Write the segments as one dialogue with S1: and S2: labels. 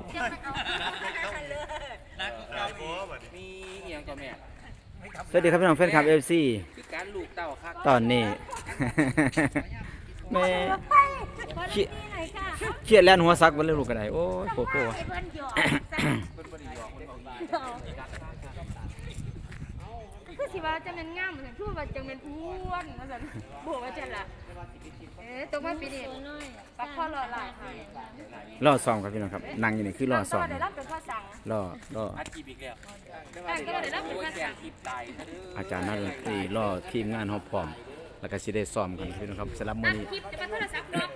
S1: มีเอียงตัวแม่
S2: สวัสดีครับพี่น้องแฟนคลับ FC
S1: คือการลูกเต้าครับ
S2: ตอนนี้ แม่เครียดแล่นหัวซักบ่เลยลูกก็ได้โอ้ยโผล่
S3: คือสิว่าจะเป็นงามเหมือนพูดว่าจะเป็นอ้วนว่าซั่นบอกว่าจังล่ะตรงมาปีนี้ปักข้อรอหลายค่ะ
S2: รอซ้อมครับพี่น้องครับนั่งอยู่นี่คือรอซ้อม
S3: ได้รับเป็นข้อสั่ง
S2: รอ
S1: อัดกีบอีกแล้ว
S3: ก็ได้รับเป็นข้อสั่ง
S1: กีบตายซะเด้อ
S2: อาจารย์นักดนตรีรอทีมงานเฮาพร้อมแล้วก็สิได้ซ้อมกันพี่น้องครับสำหรับมื้อนี้
S3: คลิปจะมาโทรศัพท์เนาะ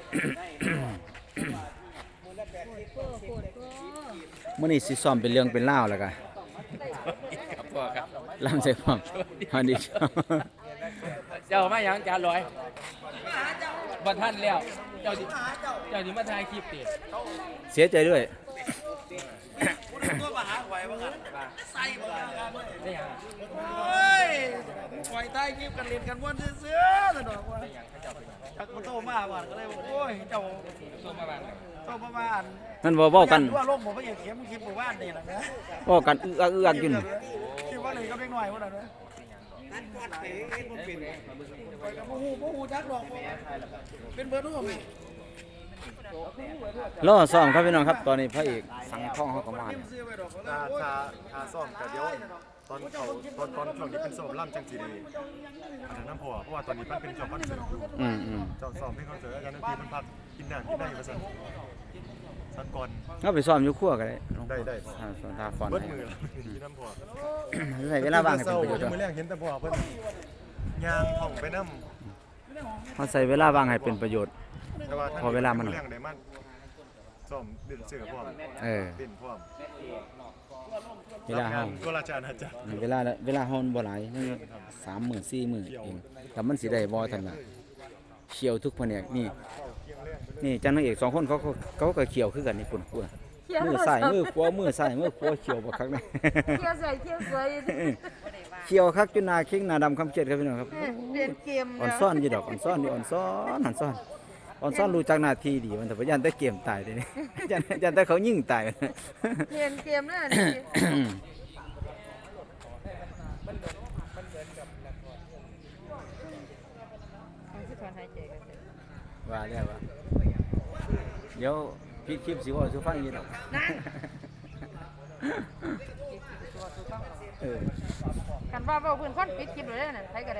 S2: มื้อนี้สิซ้อมเป็นเรื่องเป็นราวแล้วก็
S1: ครับพ่อครับ
S2: ลำใส่พร้อมสวัสดีครับ
S1: เจ้ามาหยังจานลอยบ่ทันแล้วเจ้าสิมาถ่ายคลิปติ
S2: เสียใจด้วย
S4: ตัวมาหาหวยบ้างกันใส่บ้างกัน
S1: ได้หยัง
S4: โอ้ยหวยใต้คลิปกันเล่นกันวนเสื้อๆสะดอกว่าจักมันโตมาบ้านก็เลยบอกโอ้ยเจ้า
S1: ตัวมาบ้าน
S4: โตมาบ้าน
S2: นั่นเว้ากัน
S4: ว่าโลกผมไม่อยากเขียนคลิปหมู่บ้านนี่แหละนะ
S2: เว้ากันอึกอักอยู่นี่
S4: คิดว่าเลยก็เล็กน้อยพวกนั้นนะนั่นก็เตะมันเป็นโอ้โหจักดอกเป็นเบอร์นู่นไหม
S2: รอซ้อมครับพี่น้องครับตอนนี้พระเอกสังทองเขาก็มาเนี่ย
S4: ซื้อไว้ดอก
S5: ถ้าซ่อมก็เดี๋ยวตอนเขาตอนช่วงนี้เป็นซ่อมล่ำจังสีดีอันนั้นน้ำพอเพราะว่าตอนนี้มันเป็นช่วงคอนเสิร์ตอยู่ เจ้าซ่อมเพลงคอนเสิร์ตอาจารย์นันทีมันพักกินน้ำกินได้อยู่ประสันสักก่อน
S2: เราไปซ้อมอยู่ครัวก็ได้
S5: ได้
S2: ตาฟอน
S5: เบิดมือกินน้ำพอ
S2: ใช้เวลาว่างให้เป็นประโยชน์
S5: มือแรกเห็นแต่พอเพิ่นยางท่องไปน้
S2: เขาใช้เวลาว่างให้เป็นประโยชน์
S5: ำแต่ว่า
S2: พอเวลามันหน่อย
S5: แรงได้มันซ่อมเด่นเสือพร้อม
S2: เออ
S5: เด่นพร้อม
S2: เวลาเฮา
S5: ตัวราชาอาจารย์
S2: เวลาเฮาบ่หลายนี่30,000 40,000เองแต่มันสิได้บ่ทันล่ะเขียวทุกแผนกนี่จังนางเอก2คนเขาก็เขียวคือกันนี่ปุ่นมือซ้ายมือขวามือซ้ายมือขวาเขียวบ่คักนะ
S3: เที่ยวสวยเที่ยวสวย
S2: เขียวคักจนหน้าเข่งหน้าดำคำเครียดครับพี่น้องครับ
S3: เรียนเกม
S2: อ่อนซ่อนอยู่ดอกอ่อนซ่อนอยู่อ่อนซ่อนรู้จักหน้าที่ดีมันแต่ว่ายันแต่เกมตายเด้นี่ ยันแต่เขายิงตาย
S3: เรียนเกมนั่นนี่คือถอนหายใจกัน
S2: ว่าแล้วว่าเดี๋ยวพี่คลิปสิเว่าสิฟังอีกดอกเออ
S3: กันว่าเว้าเพิ่นคนปิดคลิปเลยนั่นใครก็ได้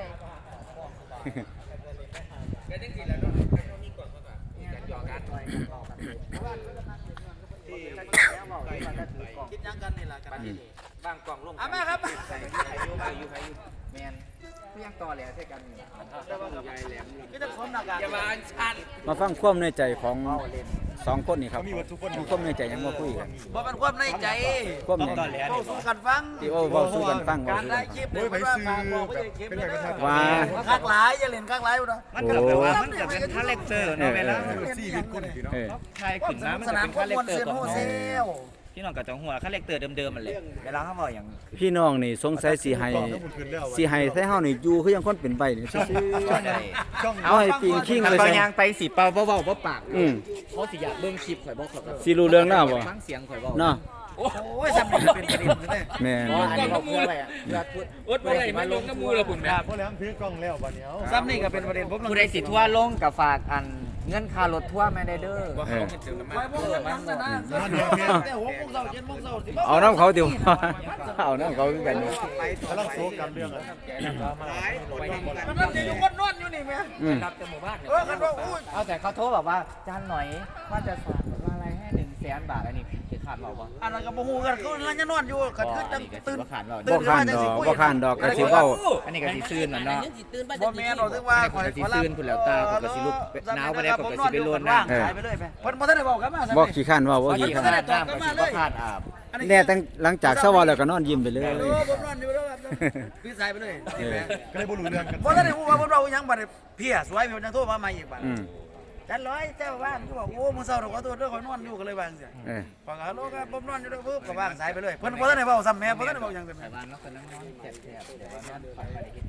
S4: คิดยังกันนี่แหละกัน
S1: บ้างกล่องลง
S4: อ่ะมาครับ
S1: ใส่อยู่แมนเพียงต่อแหลใส่กันนี่
S4: ก็จะสวมหน้ากาก
S1: อย่ามาอันชัน
S2: มาฟังความในใจของ2คนนี่ครับมีความในใจยังบ่คุยกัน
S4: บ่เป็นความในใจ
S2: ความใน
S4: เว้าสู่กันฟัง
S2: ที่เว้าสู่กันฟัง
S4: การได้คลิปเนี่ยมันว่าฝากบอกไม่ใช่คลิปเลยนะคักหลายอย่าเล่นคักหลายอยู่นะ
S2: มันก็แปลว่ามันก็เป็น
S4: คาแรคเตอร์เนาะเวลา
S5: ชีวิตคนพี่น้อง
S2: เออ
S6: ใช่ขึ้นมามัน
S4: ส
S6: จะ
S4: นาม
S6: เป็น
S4: พว
S6: คาก แร
S4: ม
S6: คว เตอร์
S4: เซียน
S6: ของ
S4: โฮเซล
S6: พี่น้องกับจังหัวคาแรคเตอร์เดิมๆมันเลยเวลาเขาบอกอย่าง
S2: พี่น้องนี่สงสัยสิให้ให้เฮานี่อยู่คือยังคนเป็นใบนี่ซื่อ
S5: ช่อง
S2: ๆเอาให้ปิงคิง
S6: ถ้า
S2: เลย
S6: เขา
S2: ใส่
S6: ยางไปสีเปล่าเบาๆปาก
S2: อืม
S6: เขาสิอยากเบิ่งคลิปข่อยบอกเขา
S2: สิรู้เรื่องแล้วบ่
S6: ฟังเสียงข่อยบอก
S2: เนาะ
S4: โอ้ยสำนึกเป็นประเด็นเลย
S2: แม่น
S6: อ๋ออันนี้เขาเพื่ออะไรอ่ะเพื่อพูด
S1: อดบ่ได้มาลงน้ำมูละคุณแม่
S5: เพราะแล้วถือกล้องแล้วบัดเนี้ย
S4: ซ้ำนี่ก็เป็นประเด็นผม
S6: ผู้ใดสิทั่วลงกับฝากอันเงื่อนค่ารถทั่วแม่ได้เด้อ
S1: ว่าเขาเป็นเติมน้ำมัน
S4: ไปพวกเรานั่งกันนะแต่หัวพวกเรา7 โมงเช้าสิ
S2: เอาน้ำเขาดิว เอาน้ำเขาคือกันนี่
S5: กำลังโซกันเรื่องอะ
S4: มันนั่นอยู่คนนอนอยู่นี่แม่
S2: อืม
S6: รับแต่หมู่บ้าน
S4: กันว่าอุ้ย
S6: เอาแต่เขาโทรบอกว่าจานหน่อยว่าจะฝากว่าอะไรให้100,000 บาทอันนี้คือขาดเราปะ
S4: อันนั้นก็บ่ฮู้กันคือเราจะนอนอยู่กันคือจังตื่น
S6: ขาดเรา
S2: บ่ข้านดอกบ่ข้านดอกก็สิเว้า
S6: อันนี้ก็สิซื่นน่ะเนาะ
S4: บ่แม่นเราถึงว่า
S6: ข่อยสิซื่นพุ่นแล้วตาข่อยก็สิลุกหนาวบ่ได้ข่อยก็สิไปโลดน้ำ
S4: หายไปเลยไปเพิ่นบ่ทันได้บอกกันมา
S2: บ่ขี้ข้านเว้าบ่ขี้
S6: ข
S2: ข้าน
S6: นาดน้ำก็สิบ่ขาดอาบ
S2: แน่ตั้งหลังจากเช้าเว้าแล้วก็นอนยิ้มไปเลย
S4: ผมนอนอยู่แล้วพี่สายไปเลย
S5: ก็เลยบ่รู้เรื่องกัน
S4: บ่ทันได้ฮู้ว่าผมเราหยังบัดเพี้ยสวยเพิ่นจังโทรมาใหม่อีกบัด
S2: อืม
S4: จันร้อยเจ้าบ้านก็บอกโอ้มื้อเช้าเราขอโทษเด้อขอนอนอยู่ก็เลยว่าจังซี่
S2: เออ
S4: ฟังฮัลโหลครับผมนอนอยู่เด้อปึ๊บก็วางสายไปเลยเพิ่นบ่ทันได้เว้าซ้ำแม่บ่ทันได้เว้าหยังกัน
S6: แต่ว่าเราก็นั่งนอนแฉะๆเดี๋ยวว่านอนฝันไปได้เฮ็ดอีหยัง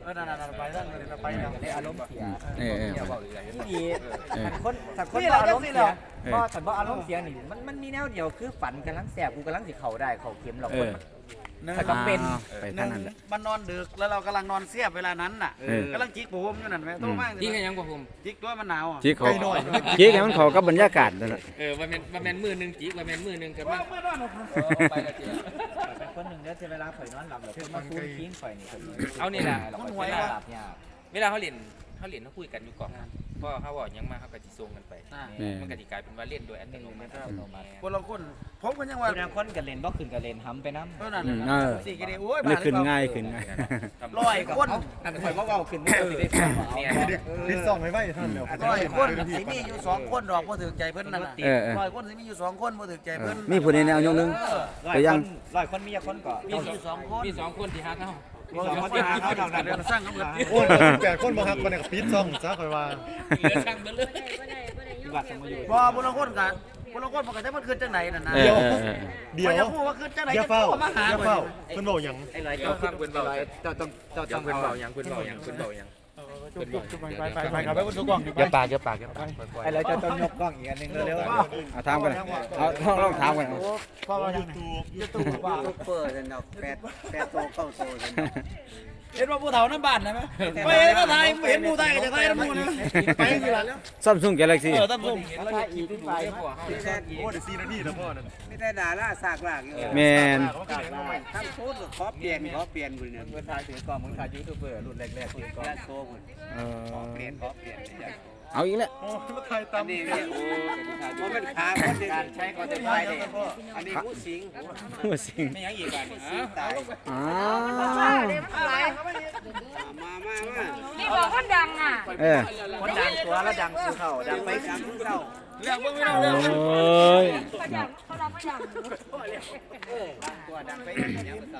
S4: นั่นไปนั่นไปแล้ว
S6: ได้อารมณ์เสีย
S2: เออ
S6: ที่ดีถ้าคนบ่อารมณ์เสียบ่ฉันบ่อารมณ์เสียนี่มันมีแนวเดียวคือฝันกำลังแสบกูกำลังสิเข้าได้เข้าเข็มหรอกคนถ้าก็เป็น
S2: ไปทางนั้นแหละ
S4: มันนอนดึกแล้วเรากำลังนอนเสียบเวลานั้นน่ะกำลังจิกผมอยู่นั่นแหละโตมาก
S1: ที่กันยังบ่ผม
S4: จิกด้วยมันหนาวอ่ะ
S2: จีเขาจีให้มันเข้ากับบรรยากาศนั่นแหละ
S1: ว่าแม่นมือนึงจีกว่าแม่นมือนึงกับมันไปละเจีย
S6: เป็นคนหนึ่งเด้อเวลาข่อยนอนหลับแล้วเพิ่นมาคุ้นคิงข่อยนี่
S1: เอานี่แหละ
S6: เวลาหลับยาก
S1: เวลาเขาเล่นเขาคุยกันอยู่ก่อนเพราะเขาบอกยังมาเขาก็สิส่งกันไปมันก็สิกลายเป็นว่าเล่นโดยอัตโนมัติ
S4: คนละคนผมก็ยังว่า
S6: บางคนก็เล่นบ่ขึ้นก็เล่นห้ำไปนำ
S4: นั่นสี่กิโลโอ้ย
S2: นี่ขึ้นง่ายขึ้นง่าย
S4: ร้อยคน
S6: นั่นข่อยบ่เว้าขึ้นนี่สิได้ฟังว่า
S1: เนี่ย
S5: ดิซ่องไม่ท่านเดียว
S4: ร้อยคนสิมีอยู่2คนดอกบ่ถึกใจเพิ่นนั่นน่ะร้อยคนสิมีอยู่2คนบ่ถึกใจเพิ่น
S2: มีผู้ใดแนวยกนึง
S6: ร้อยคนมีคนก็
S1: มี2คนมี2คนที่ฮักเฮา
S6: มี2คนที่หาเขาดอกนั้น
S4: เดี๋ยวสร้างกันเบิด
S5: โอ้ย8คนบ่ฮักคนเนี่ยปิดซ่องซะค่อยว่า
S1: เหลือช่างเบิ่เลย
S6: อยู่วัดสมุทรอยู่
S4: บ่บ่ละคนกันบ่ละคนมันก็จะมันขึ้นจังไดนั่นน่ะ
S2: เออ
S5: เดี๋ยว
S4: จะพูดว่าขึ้นจังได
S5: อย่า
S4: จะ
S5: เฝ้า
S4: มาหา
S5: อย่าเฝ้าเพิ่นบอกหยัง
S6: ไอ้ร้อย
S1: เจ้าฟังเพิ่นเบา
S6: เจ้าต้อง
S1: เจ้าเพิ่นเบายังเพิ่นเบายังเพิ่นเบายัง
S4: ไปครับไปบนทุกกล่อง
S2: อย่าปากปล่อย
S6: ไอ้ร้อยเจ้าต้องยกกล้องอีกอันนึงเร็ว
S2: เอาถามกันเอาลองถามกัน
S4: พ่อว่า
S5: YouTube
S4: ว่า
S6: เปิดเนาะ8โต9โต
S4: เห็นว่าผู้เฒ่าน้ำบ้านนะมั้ยไปเห็นก็ถ่ายเห็นผู้ถ่ายก็จะถ่ายน้ำมูนะไปสิล่ะแล้ว
S2: Samsung Galaxy
S4: ตั้มส้ม
S1: แล้วถ่ายอีกขึ้นไปพวกเฮา
S5: โอ้เดี๋ยว4นาทีแล้วพ่อนั่น
S6: ไม่ได้ด่าล่าซากลากอยู่
S2: แมน
S6: ทั้งโพสต์ขอเปลี่ยนคุณเนี่ยเพิ่นถ่ายถือกล้องมึงถ่ายยูทูบเบอร์รุ่นแรกๆถือกล้องโชว์คุณขอเปลี่ยน
S2: เอาอีกแล้ว
S5: โอ้มาถ่ายตาม
S6: นี่เนี่ยโอ้บ่เป็นขาคนเดียวใช้ก็จะถ่ายได้อันนี้ผู้สิง
S2: หัวสิง
S1: ไม่ยังอีกบ้านนี่
S6: ตาย
S2: อ้า
S3: นี่บอกคนดังอ่ะ
S2: เออ
S6: คนดังตัวแล้วดังสู่เขาดังไปดังสู่เขา
S4: เรื่องบ่มีเรา
S2: โอ
S4: เรื่อง
S2: ้ย
S3: เขาดังเขาดังเขาดัง
S6: ตัวดังไปดังเนี่ยมันเศร้า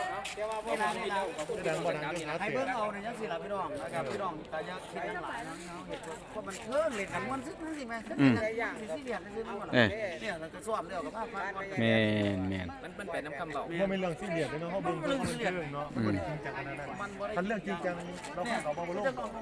S5: ดังบ่ดังก็หา
S4: ให้
S5: เสีย
S4: เบิ่งเอาเนี่ยจังสิล่ะพี่น้องนะครับพี่น้องแต่อย่าคิดอย่างหลายนะเพราะมันเพิ่นเล่นกันม่วนซึกนั่นสิแม่สิเรียนซื่อๆมันเนี่ยเราจะสอบแล้วกับภาพ
S2: แมน
S1: มันเป็นน้ำคำเบา
S5: บ่เป็นเรื่องซีเรียสเนาะเฮาเบิ่งเรื่องจริงเนาะบ่ได้จริงจังขนาดนั้นคันเรื่องจริงจังเราเข้าบ่ลง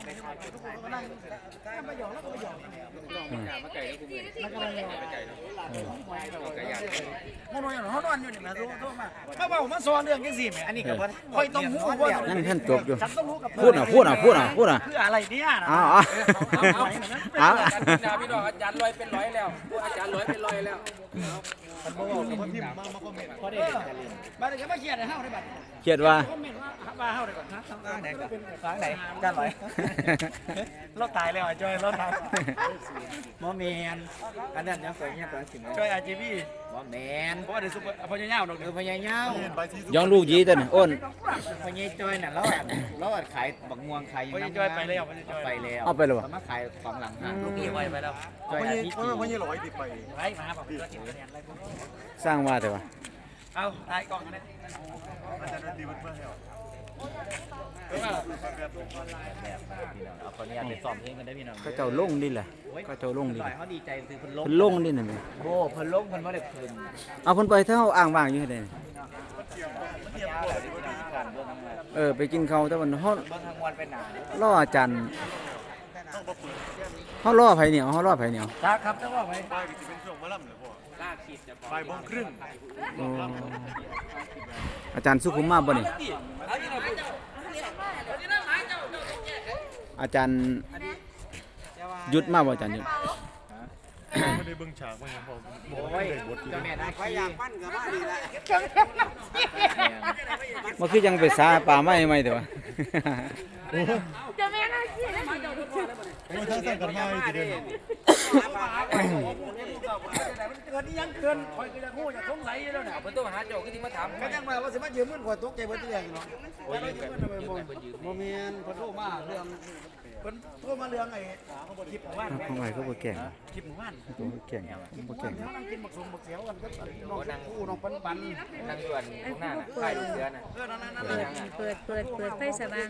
S1: มาไก่แล้วกูเมื่อยมาไก่เนาะไก่ย่าง
S4: มันนอนอยู่เฮานอนอยู่นี่แหละโทษมาเว้ามาสอนเรื่องจังซี่แม่อันนี้ก็บ่ค่อยต้องฮู้ว่า
S2: นั่งท่านจบอยู่
S4: ฉันต้องรู้กับ
S2: พูดพูด
S4: คืออะไรเนี่ยนะ
S2: เอา
S1: พี่น้องอาจารย์ลอยเป็นร้อยแล้วอาจารย์ลอยเป็นร้อยแล้ว
S5: คันบ่เว้ากับพิมพ์มาคอมเมนต์
S4: พอได้บัดนี้ก็มาเครียดให้เฮาได้บัด
S2: เขียนว่า
S4: คอมเมนต์ว่าเฮาได้ก่อนนะ
S6: ทางไหนกันทางไหนจ้าหน่อย
S4: เราตายแล้วจอยเราตาย
S6: หมอแมนอันนั้นยังสวยเงี้ยตัวสิ
S4: จอย RGB
S6: หมอแมน
S4: เพราะว่าเดี๋ยวซุปเปอร์พญายาวดอก
S6: เออพญาเงา
S5: ไปที่
S2: ย้อนลูกยีตัวนี้อ้น
S6: พญาจอยน่ะเราขายบักม่วงขาย
S4: พญาจอยไปแล้ว
S6: ไปแล้ว
S2: เอาไปเลยวะ
S6: มาขายของหลังห้าง
S4: ลูกพี่ไว้ไปแล้ว
S6: จอย
S5: พ
S6: อา
S5: ญ
S6: ทิตย์
S5: พญร้อยติดไป
S4: ไว้มาบอกเพื่อนเนี่ย
S2: สร้างว่าแต่ว่า
S4: เอาตายกล่องเลย
S5: อาจารย์ดีมันเพื่อให้
S6: เอาคนนี้ไปซ้อมเพลงกันได้พี่น้อง
S2: เขาเจ้าลงดิแหละเขาเจ้าลงดิ
S6: หน่อยเขาดีใจคือเพิ่นลง
S2: เพิ่นลงดิน่ะแม่
S6: โอ้เพิ่นลงเพิ่นบ่ได้คืน
S2: เอาเพิ่นไปเท่าอ่างว่างอยู่ให้ได้ไปกินข้าวแต่วันเฮา
S6: เบิ่งทางวันเป็นหนาร
S2: ออาจารย์เฮารอไผเหนียวเฮารอไผเหนียว
S4: ครับจะว่าไป
S5: ไปสิเป็นช่วงมะล่ำเลยพ่อ
S1: ล่าขีดจะบอก
S5: บ่ายโมงครึ่ง
S2: โอ้อาจารย์สุขุมมาบ่นี่อาจารย์หยุดมาบ่อาจารย์หยุด
S5: ไม่ได้เบิ่งฉากว่าหยังพ่อบ่
S6: โอ้
S5: ได้
S6: ย
S5: บท
S6: เจ้าแม่นางขี้
S2: มันคือยังไปสาป่าไม้ใหม่แต่ว่า
S3: จะไม่น่าคิดเลย
S5: โอ้ยถ้าสั่งกันมาสิเด้อ
S4: เกินยังเกินคอยก็จะงูจะสงสัยแล้วเนี่ย
S1: เพิ่นต้องหาเจ้าคือที่มาถาม
S4: ก็ยังมาว่าสิมายืมเงินข่อยตกใจเบิดเรื่องเนาะว่าเรายืมเงินทำไมบ่แม่นเพิ่นโทรมาเรื่องเพิ่นโทรมาเรื่องไอ้คลิปของบ้าน
S2: ทำไมเขาบ่แก่ง
S4: คลิปของบ้าน
S2: เขาบ่แก่งบ่แก่ง
S4: นั่งกินบักสมบักเสียวกันก็น้องคู่น้องปันปัน
S1: นั่งด่วนข้างหน้าน่ะใกล้ลูกเสือน่ะ
S3: เปิดไฟสว่าง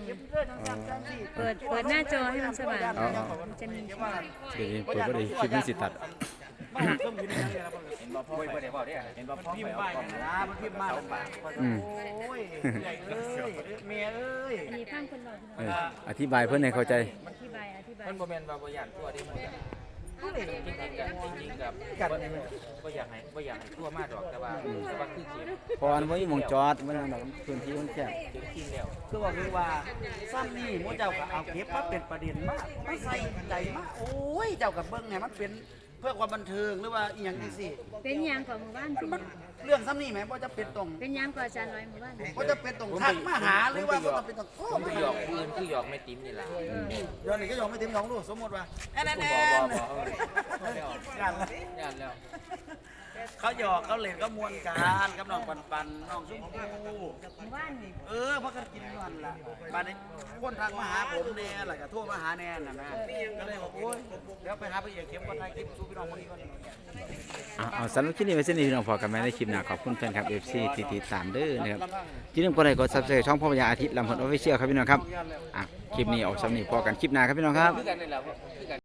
S3: เปิดหน้าจอให้มันสว่างจะมี
S2: เดี๋ยวนี้เปิดบ่ได้คลิปมันสิตัด
S4: มมาต้องยืนยังไงล่ะ
S6: เห็นบ่พ่อไปได้บ่ได้เห็นบ่พ่อ
S4: พิ
S6: ไป
S4: มพ์
S6: เอา
S4: ไป
S6: กล่อง
S4: นะมันพิมพ์มาลำบากโอ้ยใหญ่เอ้ยเมียเอ้ย
S3: อันนี้ฟังคนบอกพี่
S2: เอ
S3: น้อง
S2: ออธิบายเพิ่นให้เข้าใจ
S3: อธิบาย
S6: มันบ่แม่นว่าบ่อยากตัวดิมันจริงๆกับบ่อยากให้ตัวมาดอกแต่ว่าคือเขียน
S2: เพราะอันบ่มีหม่องจอดมันดอกพื้นที่มันแคบ
S6: จริงแล้ว
S4: คือว่าคือว่าซ้ำนี่มูเจ้าก็เอาเก็บมาเป็นประเด็นมากไม่ใส่ใจมากโอ้ยเจ้ากับเบิ้งเนี่ยมันเป็นเพื่อความบันเทิงหรือว่าอีหยังจังซี่
S3: เป็นยังก่อนหมู่บ้านสิ
S4: มันเรื่องซ้ำนี่ไหมว่าจะเป็นตรง
S3: เป็นยังก่อนอาจารย์ร้อยหมู่บ้าน
S4: ว่าจะเป็นตรงทักมาหาหรือว่าบ่ต้องเป็นตรงโอ้
S6: ผม
S4: ไม่
S6: หยอกปืนคือหยอกไม่ติ้มนี่ล่ะ
S4: เดี๋ยวนี้ก็ยอมไม่เต็มท้องลูกสมมติว่าแอนแอนแอน
S6: ย่านแล้ว
S4: เขาหยอกเขาเล่นก็มวนกันกับน้องปันน้องชมพู่
S3: หมู่บ้านนี่
S4: พักกันกินกันล่ะบ้านนี้คนทักมาหาผมแน่แหละก็โทรมาหาแน่น่ะนะก็เลยบอกโอ้ยเดี๋ยวไปหาพระเอกเข้มก่อนถ่ายคลิปสู้พี่น้องคนนี้ก่อน
S2: เอาสำหรับคลิปนี้ไว้เส้นนี้พี่น้องพอกันไหมในคลิปหน้าขอบคุณแฟนคลับ FC ที่ติดตามเด้อนะครับอย่าลืมกดไลค์กด Subscribe ช่องพ่อพญาอาทิตย์ลำพลออฟฟิเชียลครับพี่น้องครับคลิปนี้ออกสำนีพอกันคลิปหน้าครับพี่น้องครับ
S6: คือกันนี่แหละ